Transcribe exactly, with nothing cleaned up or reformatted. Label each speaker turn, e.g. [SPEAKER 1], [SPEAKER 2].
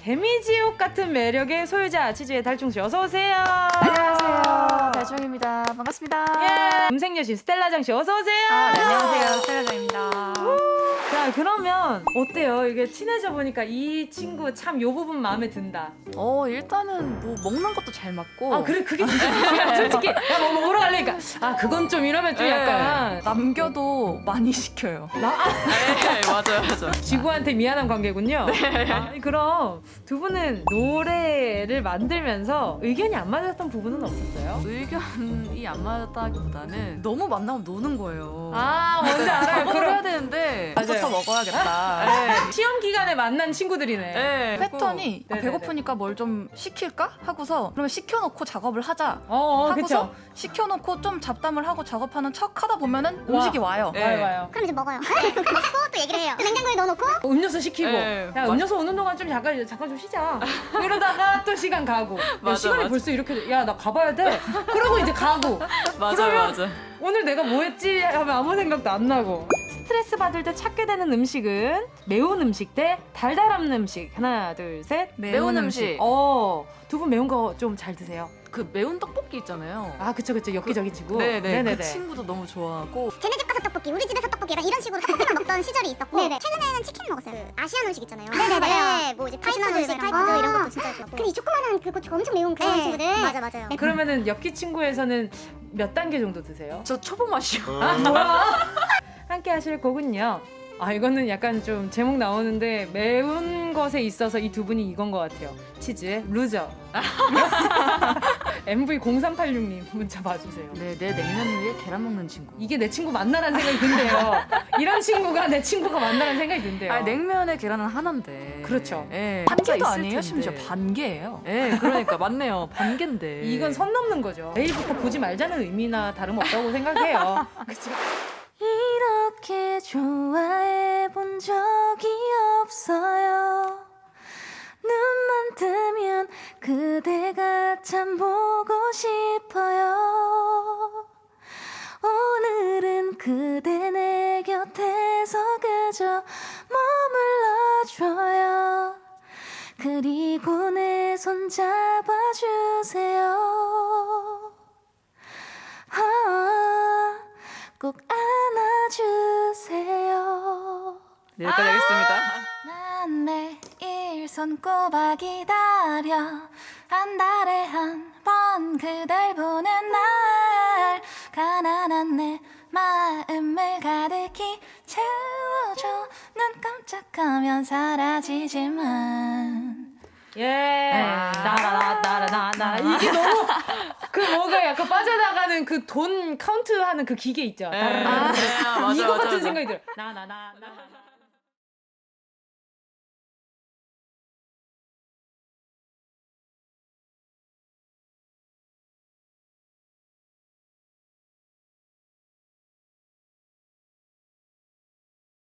[SPEAKER 1] 개미지옥 같은 매력의 소유자 치즈의 달충씨 어서 오세요.
[SPEAKER 2] 안녕하세요. 달충입니다. 반갑습니다.
[SPEAKER 1] 예. 음색여신 스텔라장씨 어서 오세요.
[SPEAKER 2] 아, 네, 안녕하세요. 스텔라장입니다.
[SPEAKER 1] 자, 그러면 어때요? 이게 친해져 보니까 이 친구 참 요 부분 마음에 든다.
[SPEAKER 2] 어, 일단은 뭐 먹는 것도 잘 맞고.
[SPEAKER 1] 아, 그래 그게 진짜 중요해. 솔직히 야, 뭐 먹으러 갈래니까 아, 그건 좀 이러면 좀
[SPEAKER 2] 네.
[SPEAKER 1] 약간
[SPEAKER 2] 남겨도 많이 시켜요.
[SPEAKER 1] 나 아,
[SPEAKER 2] 네, 맞아요, 맞아요.
[SPEAKER 1] 지구한테 미안한 관계군요.
[SPEAKER 2] 네.
[SPEAKER 1] 아, 그럼 두 분은 노래를 만들면서 의견이 안 맞았던 부분은 없었어요?
[SPEAKER 2] 의견이 안 맞았다기보다는 너무 만나면 노는 거예요.
[SPEAKER 1] 아, 뭔지 알아요.
[SPEAKER 2] 작업을
[SPEAKER 1] 그럼
[SPEAKER 2] 해야 되는데
[SPEAKER 1] 맞아요.
[SPEAKER 2] 밥부터 먹어야겠다. 네.
[SPEAKER 1] 시험 기간에 만난 친구들이네.
[SPEAKER 2] 네. 패턴이 아,
[SPEAKER 1] 네네네.
[SPEAKER 2] 배고프니까 뭘 좀 시킬까 하고서 그러면 시켜놓고 작업을 하자
[SPEAKER 1] 어, 어
[SPEAKER 2] 하고서
[SPEAKER 1] 그쵸.
[SPEAKER 2] 시켜놓고 좀 잡담을 하고 작업하는 척 하다 보면은
[SPEAKER 1] 와.
[SPEAKER 2] 음식이 와요.
[SPEAKER 1] 와요, 와요.
[SPEAKER 3] 그럼 이제 먹어요. 먹고 또 얘기를 해요. 냉장고에 넣어놓고
[SPEAKER 1] 음료수 시키고
[SPEAKER 2] 네,
[SPEAKER 1] 야
[SPEAKER 2] 맞-
[SPEAKER 1] 음료수 오는 동안 좀 잠깐 잠깐 좀 쉬자. 이러다가 또 시간 가고. 야,
[SPEAKER 2] 맞아,
[SPEAKER 1] 시간이
[SPEAKER 2] 맞아.
[SPEAKER 1] 벌써 이렇게 야 나 가봐야 돼. 그러고 이제 가고.
[SPEAKER 2] 맞아요,
[SPEAKER 1] 그러면
[SPEAKER 2] 맞아.
[SPEAKER 1] 오늘 내가 뭐 했지 하면 아무 생각도 안 나고. 스트레스 받을 때 찾게 되는 음식은 매운 음식 대 달달한 음식. 하나 둘 셋.
[SPEAKER 2] 매운 음식.
[SPEAKER 1] 어, 두 분 매운 거 좀 잘 드세요?
[SPEAKER 2] 그 매운 떡볶이 있잖아요.
[SPEAKER 1] 아 그쵸 그쵸 엽기적인 친구.
[SPEAKER 2] 네네.
[SPEAKER 1] 네네네.
[SPEAKER 2] 그 친구도 너무 좋아하고.
[SPEAKER 3] 쟤네 집 가서 떡볶이, 우리 집에서 떡볶이 약간 이런 식으로 떡볶이를 먹던 시절이 있었고 최근에는 치킨 먹었어요. 그 아시안 음식 있잖아요. 네네네. 네, 뭐 이제 타이푸드 음식, 타이푸드 이런 것도 진짜 좋았고. 근데 이 조그만한 그 고추가 엄청 매운 그런 친구들. 맞아 맞아요.
[SPEAKER 1] 그러면은 엽기 친구에서는 몇 단계 정도 드세요?
[SPEAKER 2] 저 초보 맛이요.
[SPEAKER 1] 아 뭐야? 함께 하실 곡은요. 아 이거는 약간 좀 제목 나오는데 매운 것에 있어서 이 두 분이 이건 것 같아요. 치즈의 루저. 엠브이 공삼팔육 님 문자 봐주세요.
[SPEAKER 2] 네, 내 냉면 위에 계란 먹는 친구.
[SPEAKER 1] 이게 내 친구 맞나라는 생각이 든대요. 이런 친구가 내 친구가 맞나라는 생각이 든대요.
[SPEAKER 2] 아, 냉면에 계란은 하나인데.
[SPEAKER 1] 그렇죠.
[SPEAKER 2] 예.
[SPEAKER 4] 반개도
[SPEAKER 2] 있을
[SPEAKER 4] 아니에요?
[SPEAKER 2] 텐데.
[SPEAKER 4] 심지어 반개예요.
[SPEAKER 2] 예, 그러니까 맞네요. 반개인데.
[SPEAKER 1] 이건 선 넘는 거죠. 내일부터 보지 말자는 의미나 다름없다고 생각해요. 그쵸?
[SPEAKER 4] 이렇게 좋아해 본 적이 없어요. 눈만 뜨면 그대가 참 보고 싶어요. 오늘은 그대 내 곁에서 그저 머물러줘요. 그리고 내 손 잡아주세요. 아, 꼭 안아주세요.
[SPEAKER 2] 네, 여기까지 하겠습니다.
[SPEAKER 4] 난 매일 손꼽아 기다려 한 달에 한 번 그댈 보는 날 가난한 내 마음을 가득히 채워줘. 눈 깜짝하면 사라지지만
[SPEAKER 1] 예. 나라나라나나 이게 너무 그 뭐가 약간 빠져나가는 그 돈 카운트하는 그 기계 있죠.
[SPEAKER 2] 예.
[SPEAKER 1] 따라라라.
[SPEAKER 2] 아, 네, 맞아,
[SPEAKER 1] 이거
[SPEAKER 2] 맞아,
[SPEAKER 1] 같은
[SPEAKER 2] 맞아.
[SPEAKER 1] 생각이 들어. 나나나나.